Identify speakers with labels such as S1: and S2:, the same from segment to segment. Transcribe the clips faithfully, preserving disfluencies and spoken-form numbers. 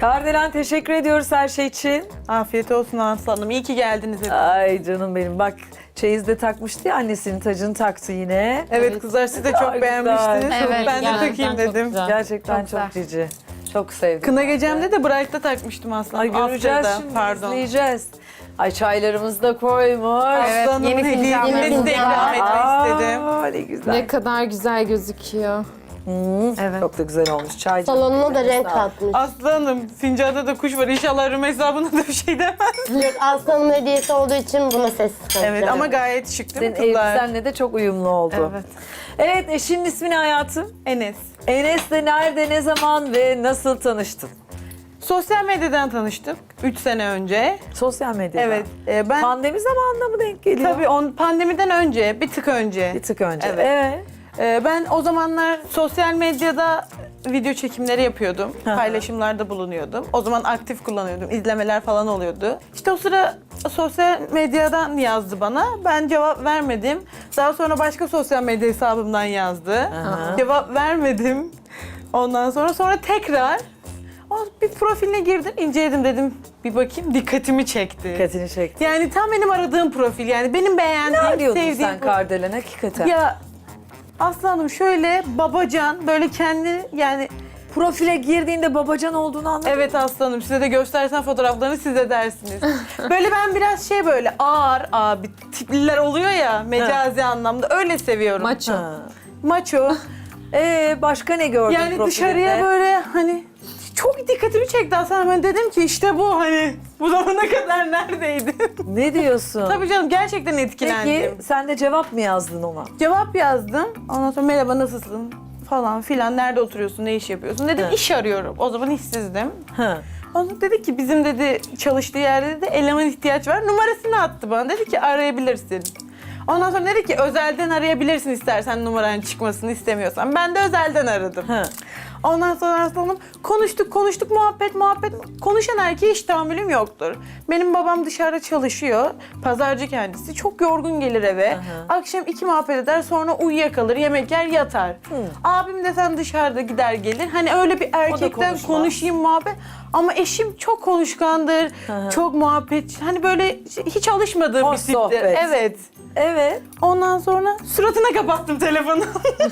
S1: Kardelen teşekkür ediyoruz her şey için.
S2: Afiyet olsun aslanım. İyi ki geldiniz. hepiniz.
S1: Ay canım benim bak çeyiz de takmıştı ya annesinin tacını taktı yine.
S2: Evet,
S3: Evet.
S2: kızlar siz de
S1: Çok
S2: çok
S1: güzel.
S2: beğenmiştiniz.
S3: Evet,
S2: ben de
S3: gerçekten
S2: takayım
S3: çok
S2: dedim.
S3: güzel.
S1: Gerçekten
S3: Çok
S1: çok,
S3: güzel.
S1: cici. Çok sevdim.
S2: Kına gecemde de Bright'ta takmıştım aslında.
S1: Ay göreceğiz
S2: After'da,
S1: şimdi
S2: pardon.
S1: izleyeceğiz. Ay çaylarımızı da koymuş.
S3: Evet,
S2: Aslanımın
S3: yeni
S2: hediyesini
S3: fincanlarımız
S2: de ikram
S3: var.
S2: etmek istedim.
S1: Aa, ne güzel.
S4: Ne kadar güzel gözüküyor.
S1: Evet. Çok da güzel olmuş çay.
S5: Salonuna da renk katmış.
S2: Aslanım, fincanda da kuş var. İnşallah Rümeysa buna da bir şey demez.
S5: Yok, Aslan'ın hediyesi olduğu için buna sessiz kalacağım.
S2: Evet ama gayet şık değil
S1: Senin
S2: mi kızlar?
S1: elbisenle de çok uyumlu oldu.
S2: Evet.
S1: Evet eşinin ismi ne hayatım?
S2: Enes.
S1: Enes'le nerede, ne zaman ve nasıl tanıştın?
S2: Sosyal medyadan tanıştık üç sene önce.
S1: Sosyal medyada.
S2: Evet. e, ben
S1: Pandemi zamanında mı denk geliyor?
S2: tabii on pandemiden önce, bir tık önce.
S1: Bir tık önce.
S2: Evet.
S1: Evet.
S2: E, ben o zamanlar sosyal medyada video çekimleri yapıyordum.
S1: Hı.
S2: Paylaşımlarda bulunuyordum. O zaman aktif kullanıyordum. İzlemeler falan oluyordu. İşte o sıra sosyal medyadan yazdı bana. Ben cevap vermedim. Daha sonra başka sosyal medya hesabımdan yazdı.
S1: Aha.
S2: Cevap vermedim. Ondan sonra sonra tekrar o bir profiline girdim, inceledim dedim. Bir bakayım, dikkatimi çekti.
S1: Dikkatini çekti.
S2: Yani tam benim aradığım profil, yani benim beğendiğim,
S1: Ne arıyordun
S2: sevdiğim
S1: sen
S2: profil.
S1: Kardelen hakikaten?
S2: Ya aslanım şöyle babacan, böyle kendi yani
S1: Profile girdiğinde babacan olduğunu anladın.
S2: evet aslanım, size de göstersen fotoğraflarını siz de dersiniz. Böyle ben biraz şey böyle ağır abi tipliler oluyor ya mecazi anlamda, öyle seviyorum.
S4: Maço.
S1: Ha.
S2: Maço.
S1: Ee, başka ne gördün
S2: Yani
S1: profilinde?
S2: dışarıya böyle hani çok dikkatimi çekti aslında. Ben dedim ki işte bu hani bu zamana kadar neredeydin?
S1: Ne diyorsun?
S2: Tabii canım, gerçekten etkilendim.
S1: Peki sen de cevap mı yazdın ona?
S2: Cevap yazdım. Ondan sonra merhaba nasılsın falan filan, nerede oturuyorsun, ne iş yapıyorsun dedim.
S1: Evet.
S2: İş arıyorum. O zaman işsizdim.
S1: Ha.
S2: Ondan dedi ki bizim dedi çalıştığı yerde de eleman ihtiyaç var. Numarasını attı bana. Dedi ki arayabilirsin. Ondan sonra dedi ki özelden arayabilirsin istersen, numaranın çıkmasını istemiyorsan. Ben de özelden aradım.
S1: Ha.
S2: Ondan sonra aslanım konuştuk konuştuk muhabbet muhabbet. Konuşan erkeğe hiç tahammülüm yoktur. Benim babam dışarıda çalışıyor. Pazarcı kendisi. Çok yorgun gelir eve.
S1: Aha.
S2: Akşam iki muhabbet eder, sonra uyuyakalır, yemek yer, yatar. Abim de sen dışarıda gider gelir. Hani öyle bir erkekten
S1: konuşmaz.
S2: konuşayım muhabbet. Ama eşim çok konuşkandır.
S1: Aha.
S2: Çok muhabbet. Hani böyle hiç alışmadığım
S1: Hoş
S2: bir tiptir.
S1: sohbet.
S2: Evet.
S1: Evet.
S2: Ondan sonra suratına kapattım telefonu.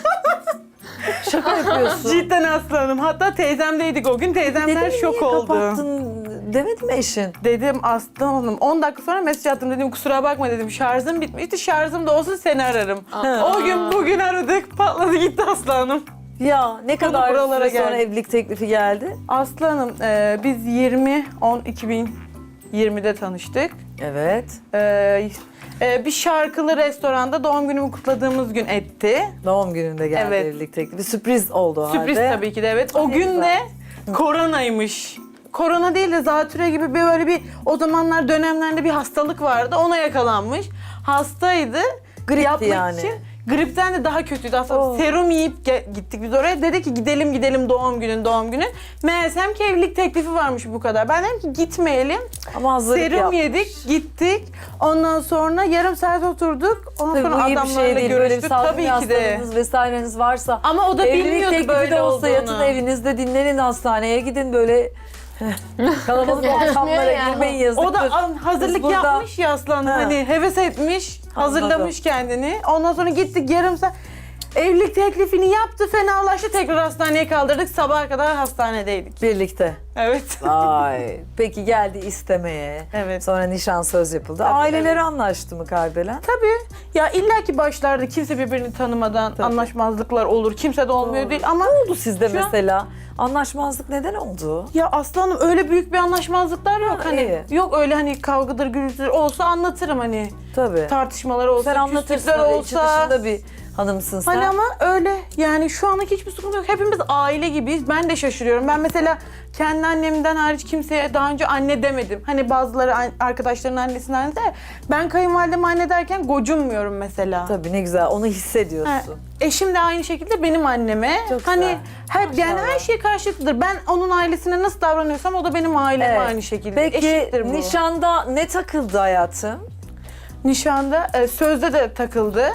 S1: Şaka yapıyorsun.
S2: Cidden aslanım. Hatta teyzemdeydik o gün. Teyzemler
S1: Dedim,
S2: şok
S1: niye
S2: oldu.
S1: kapattın demedi mi eşin?
S2: Dedim aslanım. on dakika sonra mesaj attım, dedim kusura bakma dedim. Şarjım bitmişti. Şarjım da olsun seni ararım. O gün bugün aradık. Patladı gitti aslanım.
S1: Ya ne kadar
S2: buralara
S1: süre sonra
S2: geldi.
S1: evlilik teklifi geldi?
S2: Aslanım e, biz yirmi on iki bin yirmide tanıştık.
S1: Evet.
S2: E, e, bir şarkılı restoranda doğum günümü kutladığımız gün etti.
S1: Doğum gününde geldi
S2: Evet.
S1: evlilik teklifi. Sürpriz oldu o
S2: Sürpriz
S1: halde.
S2: tabii ki de, evet. O
S1: Ne
S2: gün
S1: güzel.
S2: de koronaymış. Korona değil de zatüre gibi bir böyle bir o zamanlar dönemlerde bir hastalık vardı. Ona yakalanmış. Hastaydı.
S1: Gripti
S2: Yapmak
S1: yani.
S2: için. Gripten de daha kötüydü aslında.
S1: Oo.
S2: Serum yiyip ge- gittik biz oraya. Dedi ki gidelim gidelim doğum günün doğum günü. Meğersem ki evlilik teklifi varmış bu kadar. Ben dedim ki gitmeyelim.
S1: Ama hazırlık
S2: Serum
S1: yapmış.
S2: yedik, gittik. Ondan sonra yarım saat oturduk. Ondan
S1: Tabii
S2: sonra
S1: bu iyi bir
S2: adamlarla
S1: şey değil. Böyle bir
S2: görüştük.
S1: sağlık
S2: Tabii ki de.
S1: hastalığınız vesaireniz varsa.
S2: Ama o da
S1: evlilik
S2: bilmiyordu
S1: teklifi
S2: böyle
S1: de olsa
S2: olduğunu.
S1: yatın evinizde dinlenin, hastaneye gidin böyle kalabalık ortamlara
S5: ya.
S1: girmeyin yazıktır.
S2: O da an- hazırlık
S1: Biz burada-
S2: yapmış ya aslan.
S1: Ha.
S2: Hani heves etmiş, hazırlamış kendini. Ondan sonra gittik yarım saat. Evlilik teklifini yaptı, fenalaştı. Tekrar hastaneye kaldırdık. Sabaha kadar hastanedeydik.
S1: Birlikte.
S2: Evet.
S1: Vay. Peki geldi istemeye.
S2: Evet.
S1: Sonra nişan söz yapıldı.
S2: Tabii,
S1: Aileleri
S2: evet.
S1: anlaştı mı Kardelen?
S2: Tabii. Ya illaki başlarda kimse birbirini tanımadan
S1: Tabii.
S2: anlaşmazlıklar olur. Kimse de olmuyor
S1: Doğru.
S2: değil ama...
S1: Ne oldu sizde
S2: Şu an-
S1: mesela? Anlaşmazlık neden oldu?
S2: Ya aslanım öyle büyük bir anlaşmazlıklar yok.
S1: Ha,
S2: Hani
S1: iyi.
S2: yok öyle hani kavgadır gürültüdür olsa anlatırım hani.
S1: Tabii.
S2: Tartışmalar olsa,
S1: Sen anlatırsın
S2: küslükler
S1: öyle içi
S2: olsa.
S1: dışında bir hanımsın sen.
S2: Hani ama öyle yani şu anlık hiçbir sıkıntı yok. Hepimiz aile gibiyiz. Ben de şaşırıyorum. Ben mesela kendi annemden hariç kimseye daha önce anne demedim. Hani bazıları an- arkadaşların annesinin anne der. Ben kayınvalideme anne derken gocunmuyorum mesela.
S1: Tabii ne güzel onu
S2: Ha,
S1: hissediyorsun.
S2: eşim de aynı şekilde benim anneme.
S1: Çok
S2: hani
S1: güzel.
S2: her, yani her şey karşılıklıdır. Ben onun ailesine nasıl davranıyorsam o da benim aileme
S1: Evet.
S2: aynı şekilde.
S1: Peki
S2: Eşittir bu.
S1: nişanda ne takıldı hayatım?
S2: Nişanda e, sözde de takıldı.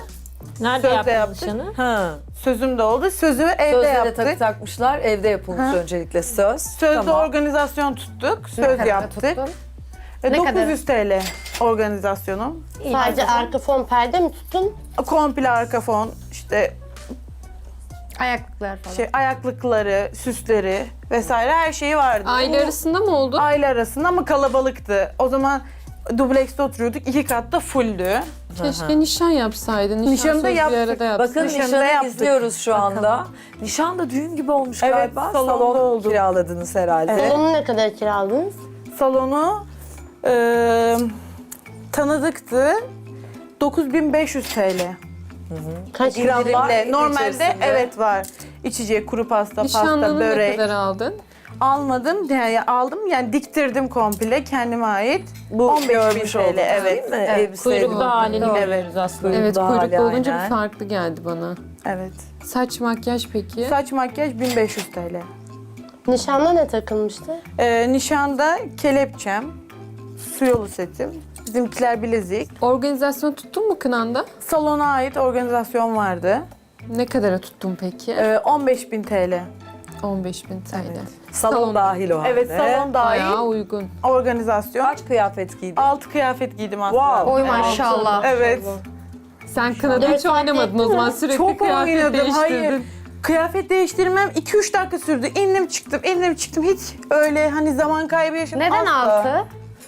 S3: Nerede
S2: Sözde
S3: yaptın
S2: yaptık.
S3: nişanı?
S1: Ha.
S2: Sözüm de oldu. Sözümü evde
S1: Sözde de
S2: yaptık.
S1: takı takmışlar. Evde yapılmış
S2: Ha.
S1: öncelikle söz.
S2: Sözde
S1: Tamam.
S2: organizasyon tuttuk. Söz
S6: kadara
S2: yaptık.
S6: tuttun?
S2: E,
S6: Ne
S2: dokuz yüz T L organizasyonum.
S5: Sadece arka fon perde mi tuttun?
S2: Komple arka fon, işte
S6: Ayaklıklar falan.
S2: şey ayaklıkları, süsleri vesaire her şeyi vardı.
S4: Aile arasında mı oldu?
S2: Aile arasında ama kalabalıktı. O zaman dublekste oturuyorduk. İki katta fulldü.
S4: Keşke nişan yapsaydın. Nişan
S2: Nişanı da
S4: sözü bir
S2: yaptık.
S4: arada yapsaydın.
S1: Bakın
S2: Nişanı da
S1: nişanı
S2: yaptık.
S1: izliyoruz şu anda. Nişan da düğün gibi olmuş
S2: Evet,
S1: galiba.
S2: salonda
S1: Salon
S2: oldu.
S1: kiraladınız herhalde.
S2: Evet.
S5: Salonu ne kadar kiraladınız?
S2: Salonu e, tanıdıktı. dokuz bin beş yüz T L.
S5: Kaç
S1: İkram
S5: indirim?
S1: var.
S2: İndirimle. Normalde
S1: içerisinde.
S2: evet var. İçecek, kuru pasta, pasta,
S4: Nişanlını ne
S2: börek.
S4: kadar aldın?
S2: Almadım, yani aldım yani diktirdim komple kendime ait.
S1: Bu
S2: on beş bin
S1: görmüş
S2: T L,
S1: olduk
S2: evet.
S1: değil mi?
S2: Evet.
S1: Elbiseyle.
S3: Kuyruklu halini
S2: Evet.
S3: görüyoruz aslında.
S4: Evet,
S1: Daha
S4: kuyruklu
S1: hala
S4: olunca
S1: aynen.
S4: bir farklı geldi bana.
S2: Evet.
S4: Saç, makyaj peki?
S2: Saç makyaj bin beş yüz T L.
S5: Nişanda ne takılmıştı?
S2: Ee, nişanda kelepçem, su yolu setim, bizimkiler bilezik.
S4: Organizasyon tuttun mu kınanda?
S2: Salona ait organizasyon vardı.
S4: Ne kadara tuttun peki?
S2: Ee, on beş bin T L.
S4: on beş bin T L.
S1: Salon,
S4: Salon.
S1: dahil o halde.
S2: Evet, salon dahil
S4: Bayağı uygun.
S2: organizasyon.
S1: Kaç kıyafet giydin?
S2: Altı kıyafet giydim aslında.
S1: Wow.
S6: Oy maşallah.
S2: Evet.
S4: Sen kınada
S5: Dört
S4: hiç
S5: saat
S4: oynamadın o zaman, sürekli
S2: Çok
S4: kıyafet
S2: oynadım,
S4: değiştirdin.
S2: hayır. Kıyafet değiştirmem iki üç dakika sürdü. İndim çıktım, indim çıktım. Hiç öyle hani zaman kaybı yaşamadım.
S6: Neden
S2: asla.
S6: altı?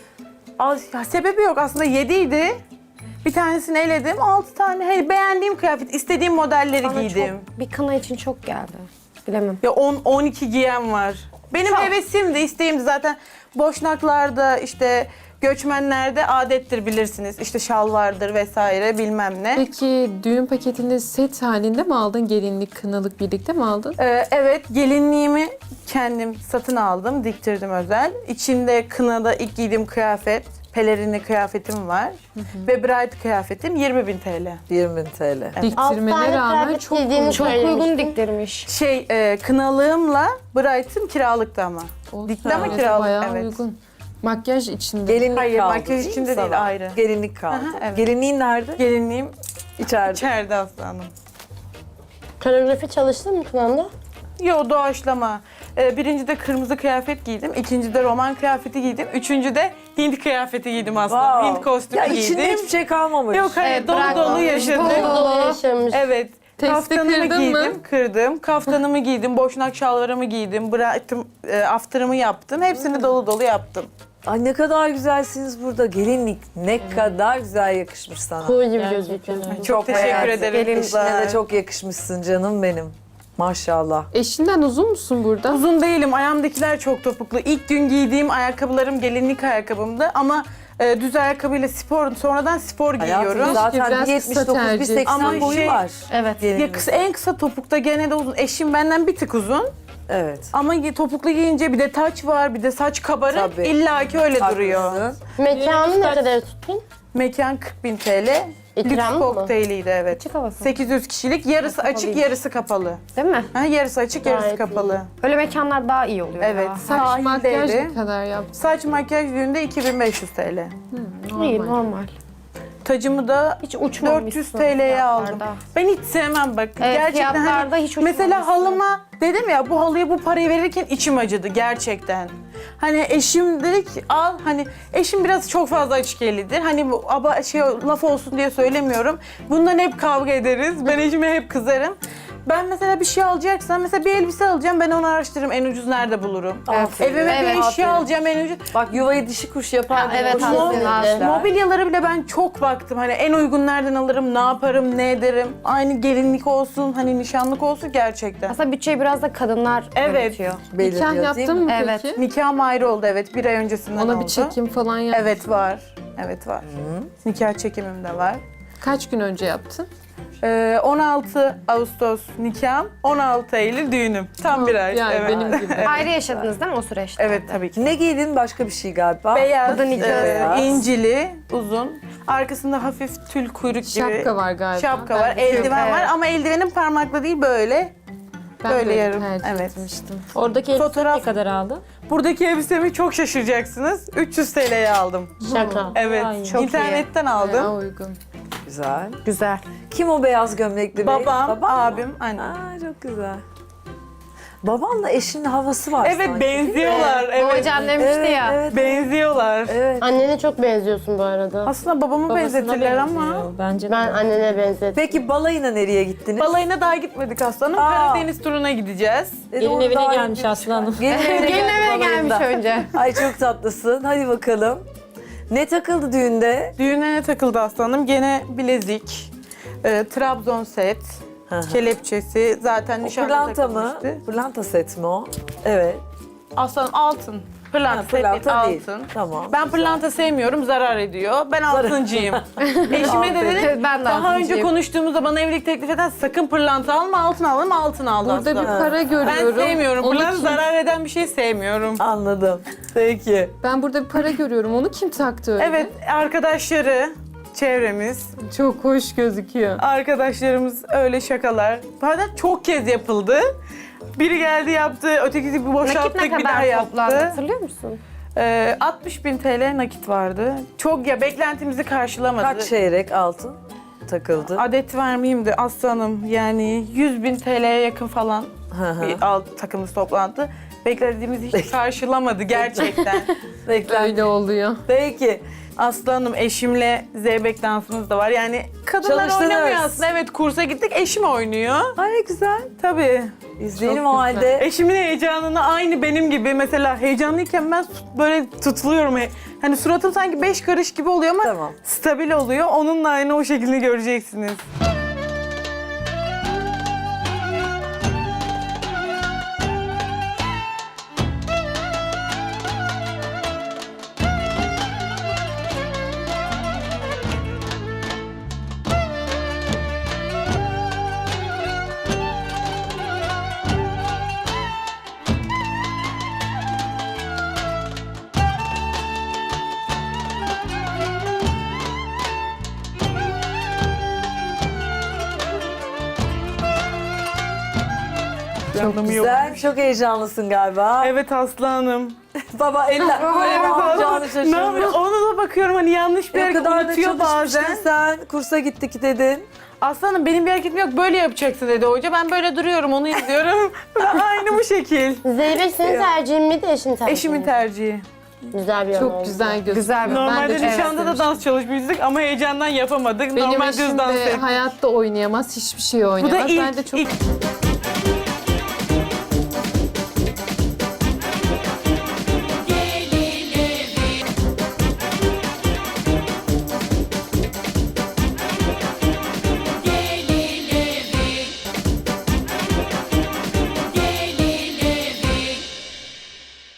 S2: Az, ya sebebi yok aslında yediydi. Bir tanesini eledim. Altı tane. Hey, beğendiğim kıyafet, istediğim modelleri
S6: Bana
S2: giydim.
S6: çok, bir kına için çok geldi. Bilemem.
S2: Ya on on iki giyen var. Benim hevesimdi, isteğimdi zaten. Boşnaklarda işte göçmenlerde adettir bilirsiniz. İşte şal vardır vesaire bilmem ne.
S4: Peki düğün paketini set halinde mi aldın? Gelinlik, kınalık birlikte mi aldın?
S2: Ee, evet, gelinliğimi kendim satın aldım, diktirdim özel. İçinde kınada ilk giydiğim kıyafet, pelerinli kıyafetim var. Ve bride kıyafetim yirmi bin T L.
S1: yirmi bin T L.
S5: Altı
S4: Diktirmene
S5: tane
S4: rağmen
S5: kıyafet
S4: çok
S5: giydiğini
S4: uygun.
S6: Çok
S5: söylemiştin.
S6: uygun diktirmiş.
S2: Şey, e, kınalığımla bride'ım kiralıktı ama.
S4: Olsun,
S2: Dikti ama
S4: evet,
S2: kiralık,
S4: bayağı
S2: evet.
S4: uygun. Makyaj içinde.
S1: Gelinlik
S2: Hayır,
S1: kaldı
S2: makyaj
S1: mi
S2: içinde
S1: sana?
S2: değil, ayrı.
S1: Gelinlik kaldı.
S2: Aha, evet.
S1: Gelinliğin nerede?
S2: Gelinliğim
S1: İçeride.
S2: içeride aslanım.
S5: Koreografi çalıştın mı kınanda?
S2: Yo, doğaçlama. Ee, birincide kırmızı kıyafet giydim, ikincide roman kıyafeti giydim, üçüncüde Hint kıyafeti giydim aslında.
S1: Wow.
S2: Hint kostümü
S1: Ya
S2: giydim.
S1: içinde hiçbir şey kalmamış.
S2: Yok hayır,
S6: Evet,
S2: dolu
S6: bırak
S2: dolu
S6: onu.
S2: yaşadım.
S6: Dolu
S5: Dolu yaşamış.
S2: Evet.
S4: Testi
S2: Kaftanımı
S4: kırdın
S2: giydim,
S4: mı?
S2: kırdım. Kaftanımı giydim, boşnak şalvarımı giydim, bıraktım, e, after'ımı yaptım. Hepsini dolu dolu yaptım.
S1: Ay ne kadar güzelsiniz burada. Gelinlik ne kadar güzel yakışmış sana.
S5: Kuğu gibi
S3: Gerçekten
S5: gözüküyor.
S3: öyle.
S2: Çok teşekkür
S1: beğendim.
S2: ederim
S1: Eşine
S2: kızlar.
S1: de çok yakışmışsın canım benim. Maşallah.
S4: Eşinden uzun musun burada?
S2: Uzun değilim, ayağımdakiler çok topuklu. İlk gün giydiğim ayakkabılarım gelinlik ayakkabımdı ama e, düz ayakkabıyla spor, sonradan spor giyiyorum.
S1: Hayatım zaten
S4: biraz
S1: bir
S4: kısa
S1: yetmiş dokuz bir
S4: tercih.
S1: seksen
S2: Ama
S1: boyu
S2: şey-
S1: var.
S6: Evet.
S2: Ya kısa, en kısa topukta gene de uzun. Eşim benden bir tık uzun.
S1: Evet.
S2: Ama gi- topuklu giyince bir de taç var, bir de saç kabarık.
S1: Tabii.
S2: İlla ki öyle duruyor.
S1: Haklısın.
S5: Mekanı ne kadar tuttun?
S2: Mekan kırk bin T L. Lüks
S5: İkramlı mı?
S2: kokteyliydi evet.
S6: Açık havası.
S2: sekiz yüz kişilik, yarısı
S6: Kapalı
S2: açık,
S6: değil.
S2: yarısı kapalı.
S6: Değil mi?
S2: Ha, yarısı açık, yarısı
S5: Gayet
S2: kapalı.
S6: Öyle mekanlar daha iyi oluyor
S2: Evet.
S6: ya.
S4: Saç, makyaj
S2: Sahildeydi.
S4: ne kadar yaptın?
S2: Saç makyaj düğünde iki bin beş yüz T L.
S6: İyi,
S4: Normal.
S6: normal.
S2: Tacımı da
S6: Hiç uçmamışsın.
S2: dört yüz T L'ye aldım.
S6: fiyatlarda.
S2: Ben hiç sevmem bak.
S6: Evet,
S2: gerçekten
S6: fiyatlarda
S2: hani,
S6: hiç
S2: mesela
S6: uçmamışsın.
S2: halıma dedim ya, bu halıya bu parayı verirken içim acıdı gerçekten. Hani eşim dedi ki al, hani eşim biraz çok fazla açık-ellidir. Hani bu aba şey laf olsun diye söylemiyorum. Bundan hep kavga ederiz. Ben eşime hep kızarım. Ben mesela bir şey alacaksam, mesela bir elbise alacağım, ben onu araştırırım, en ucuz nerede bulurum.
S1: Aferin.
S2: Evime
S6: Evet.
S2: bir eşya
S1: Aferin.
S2: alacağım, en ucuz.
S1: Bak yuvayı dişi kuş yapar.
S6: Ha,
S1: diye
S6: evet,
S1: boşuna
S6: aslında.
S1: demişler.
S2: Mobilyaları bile ben çok baktım. Hani en uygun nereden alırım, ne yaparım, ne ederim. Aynı gelinlik olsun, hani nişanlık olsun gerçekten.
S6: Aslında bütçeyi biraz da kadınlar
S2: Evet.
S6: yönetiyor.
S1: Belirliyor,
S4: Nikah
S1: değil
S4: yaptın
S1: mi?
S4: mı
S6: Evet.
S4: peki?
S2: Nikahım ayrı oldu evet, bir ay öncesinden
S4: Ona
S2: oldu.
S4: bir çekim falan yap.
S2: Evet var, evet var. Nikah çekimim de var.
S4: Kaç gün önce yaptın?
S2: Ee, on altı Ağustos nikahım, on altı Eylül düğünüm. Tam bir ay.
S4: Yani
S2: evet.
S4: benim gibi.
S6: Ayrı yaşadınız değil mi o süreçte?
S2: Evet tabii ki.
S1: Ne giydin? Başka bir şey galiba.
S2: Beyaz,
S6: Bu da nikah.
S2: e,
S1: Beyaz.
S2: incili, uzun. Arkasında hafif tül kuyruk gibi.
S4: Şapka var galiba.
S2: Şapka
S4: Ben
S2: var,
S4: biliyorum.
S2: eldiven
S6: Evet.
S2: var ama eldivenim parmakla değil böyle.
S4: Ben
S2: böyle
S4: böyle
S2: yarım,
S4: tercih
S2: evet.
S4: etmiştim.
S3: Oradaki elbise
S2: Fotoğraf-
S3: ne kadar aldın?
S2: Buradaki elbisemi çok şaşıracaksınız. üç yüz T L'ye aldım.
S5: Şaka.
S2: Evet,
S3: Ay,
S6: çok iyi.
S2: internetten aldım.
S4: Bayağı uygun.
S1: Güzel.
S6: Güzel.
S1: Kim o beyaz gömlekli bey?
S2: Babam,
S1: Baban mı?
S2: abim, annem.
S1: Aa, çok güzel. Babanla eşinin havası var
S2: Evet
S1: sanki.
S2: benziyorlar.
S6: O
S2: Evet.
S6: hocam demişti
S1: Evet,
S6: ya.
S1: evet,
S2: Benziyorlar.
S1: evet.
S5: Annene çok benziyorsun bu arada.
S2: Aslında babamı
S4: Babasına
S2: benzetirler ama
S4: benziyor. Bence
S5: Ben annene benzettim.
S1: Peki balayına nereye gittiniz?
S2: balayına daha gitmedik aslanım.
S1: Aa.
S2: Karadeniz turuna gideceğiz.
S1: E,
S4: Gelin
S1: doğru,
S4: evine
S1: daha
S4: gelmiş
S1: ilginç.
S4: Aslı Hanım.
S1: Gelin evine,
S6: Gelin
S1: geldi
S6: eve gelmiş
S1: balayında.
S6: önce.
S1: Ay çok tatlısın. Hadi bakalım. Ne takıldı düğünde?
S2: Düğüne ne takıldı aslanım? Gene bilezik, e, Trabzon set,
S1: Hı hı.
S2: kelepçesi. Zaten
S1: O
S2: nişanda
S1: pırlanta mı?
S2: takılmıştı.
S1: Pırlanta set mi o? Evet.
S2: Aslanım altın. Pırlanta,
S1: Ha,
S2: set
S1: pırlanta
S2: değil,
S1: değil.
S2: altın.
S1: Tamam.
S2: Ben pırlanta sevmiyorum, zarar ediyor. Ben altıncıyım. Eşime de dedim,
S6: Ben de
S2: daha önce
S6: altıncıyım.
S2: konuştuğumuzda bana evlilik teklif eden sakın pırlanta alma, altın alma, altın aldı
S4: burada bir
S2: aslanım.
S4: para
S2: Ben
S4: görüyorum.
S2: sevmiyorum.
S4: Onu
S2: Pırlanta
S4: kim-
S2: zarar eden bir şey sevmiyorum.
S1: Anladım. Peki.
S4: Ben burada bir para görüyorum. Onu kim taktı öyle?
S2: Evet, arkadaşları, çevremiz,
S4: Çok hoş gözüküyor.
S2: arkadaşlarımız öyle şakalar. Zaten çok kez yapıldı. Biri geldi yaptı, ötekisi bir
S6: Nakit
S2: boşalttık
S6: ne
S2: bir daha
S6: kadar toplandı
S2: yaptı.
S6: hatırlıyor musun?
S2: Ee, altmış bin T L nakit vardı. Çok ya beklentimizi karşılamadı.
S1: Kaç çeyrek altın takıldı?
S2: Adet vermeyeyim de aslanım yani yüz bin T L'ye yakın falan
S1: Hı hı.
S2: bir alt takımımız toplandı. Beklediğimizi hiç karşılamadı gerçekten.
S1: Bekler.
S4: Öyle oluyor.
S1: Peki.
S2: Aslanım eşimle zeybek dansımız da var. Yani kadınlar
S1: Çalıştınız.
S2: oynamıyor aslında. Evet kursa gittik eşim oynuyor.
S1: Ay ne güzel.
S2: Tabii.
S1: İzleyelim
S4: Çok
S1: o
S4: güzel.
S1: halde.
S2: Eşimin heyecanını aynı benim gibi mesela heyecanlıyken ben böyle tutuluyorum. Hani suratım sanki beş karış gibi oluyor ama
S1: Tamam.
S2: stabil oluyor. Onunla aynı o şekilde göreceksiniz.
S1: Çok
S2: Anlamı yok.
S1: güzel. Çok heyecanlısın galiba.
S2: Evet aslanım.
S1: Baba eller böyle ne yapacağını
S2: Ne
S1: şaşırmış.
S2: yapayım? Ona da bakıyorum hani yanlış bir
S1: Ne
S2: hareket
S1: kadar da
S2: unutuyor
S1: çalışmıştın
S2: bazen.
S1: sen. Kursa gittik dedin.
S2: Aslanım benim bir hareketim yok böyle yapacaksın dedi hoca. Ben böyle duruyorum onu izliyorum. Aynı bu şekil.
S5: Zeybek senin tercihin miydi, eşin tercihi
S2: Eşimin
S5: mi?
S2: tercihi.
S5: Güzel bir yanı oldu.
S4: Çok güzel gözüküyor.
S6: Güzel bir-
S4: Ben de
S2: Normalde
S4: çok
S2: nişanda da
S4: istemiştim.
S2: dans çalışmıştık ama heyecandan yapamadık.
S4: Benim
S2: Normal düz
S4: eşim
S2: dans
S4: de
S2: ettik.
S4: hayatta oynayamaz, hiçbir şey
S2: Bu
S4: oynayamaz.
S2: da ilk,
S4: ben de çok
S2: ilk